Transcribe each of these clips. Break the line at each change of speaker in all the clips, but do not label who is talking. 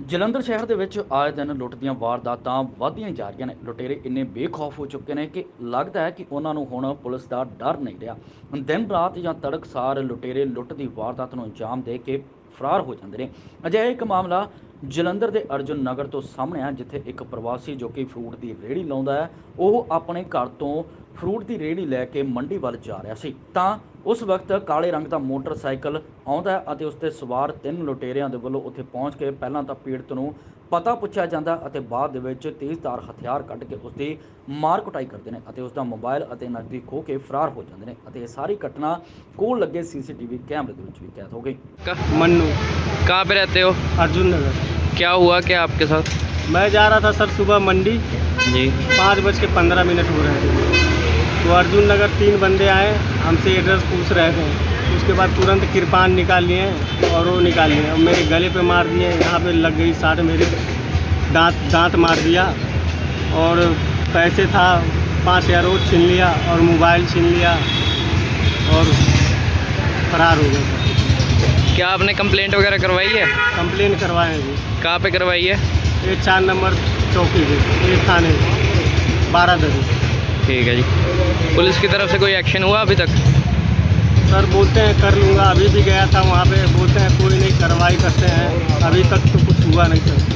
ਜਲੰਧਰ ਸ਼ਹਿਰ ਦੇ ਵਿੱਚ ਆਏ ਦਿਨ ਲੁੱਟ ਦੀਆਂ ਵਾਰਦਾਤਾਂ ਵਧਦੀਆਂ ਹੀ ਜਾ ਰਹੀਆਂ ਨੇ। ਲੁਟੇਰੇ ਇੰਨੇ ਬੇਖੌਫ ਹੋ ਚੁੱਕੇ ਨੇ ਕਿ ਲੱਗਦਾ ਹੈ ਕਿ ਉਹਨਾਂ ਨੂੰ ਹੁਣ ਪੁਲਿਸ ਦਾ ਡਰ ਨਹੀਂ ਰਿਹਾ। ਦਿਨ ਰਾਤ ਜਾਂ ਤੜਕਸਾਰ ਲੁਟੇਰੇ ਲੁੱਟ ਦੀ ਵਾਰਦਾਤ ਨੂੰ ਅੰਜਾਮ ਦੇ ਕੇ ਫਰਾਰ ਹੋ ਜਾਂਦੇ ਨੇ। ਅਜਿਹਾ ਇੱਕ ਮਾਮਲਾ ਜਲੰਧਰ ਦੇ ਅਰਜੁਨ ਨਗਰ ਤੋਂ ਸਾਹਮਣੇ ਆ, ਜਿੱਥੇ ਇੱਕ ਪ੍ਰਵਾਸੀ ਜੋ ਕਿ ਫਰੂਟ ਦੀ ਰੇਹੜੀ ਲਾਉਂਦਾ ਹੈ, ਉਹ ਆਪਣੇ ਘਰ ਤੋਂ ਫਰੂਟ ਦੀ ਰੇਹੜੀ ਲੈ ਕੇ ਮੰਡੀ ਵੱਲ ਜਾ ਰਿਹਾ ਸੀ ਤਾਂ ਉਸ ਵਕਤ ਕਾਲੇ ਰੰਗ ਦਾ ਮੋਟਰਸਾਈਕਲ ਆਉਂਦਾ ਹੈ ਅਤੇ ਉਸ 'ਤੇ ਸਵਾਰ ਤਿੰਨ ਲੁਟੇਰਿਆਂ ਦੇ ਵੱਲੋਂ ਉੱਥੇ ਪਹੁੰਚ ਕੇ ਪਹਿਲਾਂ ਤਾਂ ਪੀੜਤ ਨੂੰ ਪਤਾ ਪੁੱਛਿਆ ਜਾਂਦਾ ਅਤੇ ਬਾਅਦ ਦੇ ਵਿੱਚ ਤੇਜ਼ਧਾਰ ਹਥਿਆਰ ਕੱਢ ਕੇ ਉਸ ਦੀ ਮਾਰ ਕੁਟਾਈ ਕਰਦੇ ਨੇ ਅਤੇ ਉਸ ਦਾ ਮੋਬਾਈਲ ਅਤੇ ਨਕਦੀ ਖੋਹ ਕੇ ਫਰਾਰ ਹੋ ਜਾਂਦੇ ਨੇ ਅਤੇ ਇਹ ਸਾਰੀ ਘਟਨਾ ਕੋਲ ਲੱਗੇ सीसीटीवी कैमरे ਦੇ ਵਿੱਚ ਵੀ ਕੈਦ ਹੋ ਗਈ।
मन्नू
कहाँ पे रहते हो?
अर्जुन नगर।
क्या हुआ क्या आपके साथ?
मैं जा रहा था सर सुबह मंडी,
जी
5:15 हो रहे थे, तो अर्जुन नगर 3 बंदे आए, हमसे एड्रेस पूछ रहे थे। उसके बाद तुरंत कृपान निकाल लिए और वो निकाल लिए और मेरे गले पे मार दिए, यहाँ पे लग गई साट, मेरे दांत मार दिया और पैसे था 5,000 वो छीन लिया और मोबाइल छीन लिया और फरार हो गए।
क्या आपने कंप्लेंट वगैरह करवाई है?
कंप्लेन करवाए हैं जी,
कहाँ पे करवाई है?
ये 4 नंबर चौकी पे, ये थाने 12 दरी।
ठीक है जी। पुलिस की तरफ से कोई एक्शन हुआ अभी तक?
सर बोलते हैं कर लूँगा, अभी भी गया था वहाँ पे, बोलते हैं कोई नहीं कार्रवाई करते हैं, अभी तक तो कुछ हुआ नहीं सर।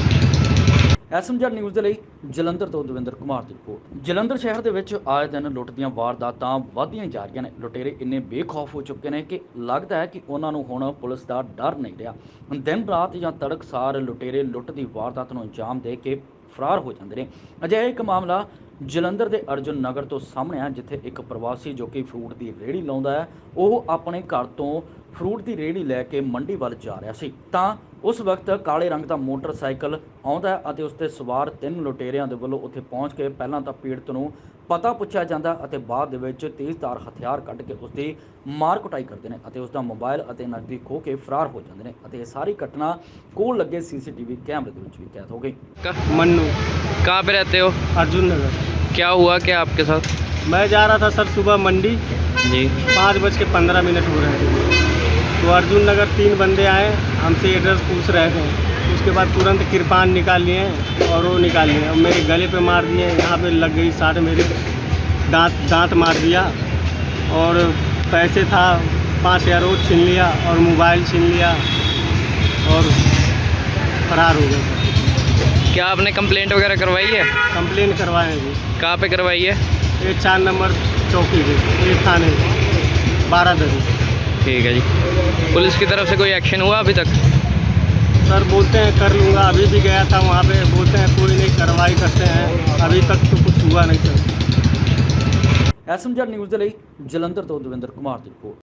SMZ ਨਿਊਜ਼ ਦੇ ਲਈ ਜਲੰਧਰ ਤੋਂ ਦਵਿੰਦਰ ਕੁਮਾਰ ਦੀ ਰਿਪੋਰਟ। ਜਲੰਧਰ ਸ਼ਹਿਰ ਦੇ ਵਿੱਚ ਆਏ ਦਿਨ ਲੁੱਟ ਦੀਆਂ ਵਾਰਦਾਤਾਂ ਵਧਦੀਆਂ ਹੀ ਜਾ ਰਹੀਆਂ ਨੇ। ਲੁਟੇਰੇ ਇੰਨੇ ਬੇਖੌਫ ਹੋ ਚੁੱਕੇ ਨੇ ਕਿ ਲੱਗਦਾ ਹੈ ਕਿ ਉਹਨਾਂ ਨੂੰ ਹੁਣ ਪੁਲਿਸ ਦਾ ਡਰ ਨਹੀਂ ਰਿਹਾ। ਦਿਨ ਰਾਤ ਜਾਂ ਤੜਕਸਾਰ ਲੁਟੇਰੇ ਲੁੱਟ ਦੀ ਵਾਰਦਾਤ ਨੂੰ ਅੰਜਾਮ ਦੇ ਕੇ ਫਰਾਰ ਹੋ ਜਾਂਦੇ ਨੇ। ਅਜਿਹਾ ਇੱਕ ਮਾਮਲਾ ਜਲੰਧਰ ਦੇ ਅਰਜੁਨ ਨਗਰ ਤੋਂ ਸਾਹਮਣੇ ਆ, ਜਿੱਥੇ ਇੱਕ ਪ੍ਰਵਾਸੀ ਜੋ ਕਿ ਫਰੂਟ ਦੀ ਰੇਹੜੀ ਲਾਉਂਦਾ ਹੈ, ਉਹ ਆਪਣੇ ਘਰ ਤੋਂ ਫਰੂਟ ਦੀ ਰੇਹੜੀ ਲੈ ਕੇ ਮੰਡੀ ਵੱਲ ਜਾ ਰਿਹਾ ਸੀ ਤਾਂ ਉਸ ਵਕਤ ਕਾਲੇ ਰੰਗ ਦਾ ਮੋਟਰਸਾਈਕਲ ਆਉਂਦਾ ਹੈ ਅਤੇ ਉਸ 'ਤੇ ਸਵਾਰ ਤਿੰਨ ਲੁਟੇਰਿਆਂ ਦੇ ਵੱਲੋਂ ਉੱਥੇ ਪਹੁੰਚ ਕੇ ਪਹਿਲਾਂ ਤਾਂ ਪੀੜਤ ਨੂੰ ਪਤਾ ਪੁੱਛਿਆ ਜਾਂਦਾ ਅਤੇ ਬਾਅਦ ਦੇ ਵਿੱਚ ਤੇਜ਼ਧਾਰ ਹਥਿਆਰ ਕੱਢ ਕੇ ਉਸ ਦੀ ਮਾਰ ਕੁਟਾਈ ਕਰਦੇ ਨੇ ਅਤੇ ਉਸ ਦਾ ਮੋਬਾਈਲ ਅਤੇ ਨਕਦੀ ਖੋਹ ਕੇ ਫਰਾਰ ਹੋ ਜਾਂਦੇ ਨੇ ਅਤੇ ਇਹ ਸਾਰੀ ਘਟਨਾ ਕੋਲ ਲੱਗੇ CCTV ਕੈਮਰੇ ਦੇ ਵਿੱਚ ਵੀ ਕੈਦ ਹੋ ਗਈ।
मन्नू
कहाँ पे रहते हो?
अर्जुन नगर।
क्या हुआ क्या आपके साथ?
मैं जा रहा था सर सुबह मंडी,
जी
5:15 हो रहे थे, तो अर्जुन नगर 3 बंदे आए, हमसे एड्रेस पूछ रहे थे। उसके बाद तुरंत कृपान निकाल लिए और वो निकाल लिए और मेरे गले पे मार दिए, यहाँ पे लग गई साट, मेरे दांत मार दिया और पैसे था 5,000 वो छीन लिया और मोबाइल छीन लिया और फरार हो गए।
क्या आपने कंप्लेंट वगैरह करवाई है?
कंप्लेन करवाए हैं जी,
कहाँ पे करवाई है?
ये 4 नंबर चौकी पे, ये थाने 12 दरी।
ठीक है जी। पुलिस की तरफ से कोई एक्शन हुआ अभी तक?
सर बोलते हैं कर लूँगा, अभी भी गया था वहाँ पे, बोलते हैं कोई नहीं कार्रवाई करते हैं, अभी तक तो कुछ हुआ नहीं सर।
SMZ ਨਿਊਜ਼ ਦੇ ਲਈ ਜਲੰਧਰ ਤੋਂ ਦਵਿੰਦਰ ਕੁਮਾਰ ਦੀ ਰਿਪੋਰਟ।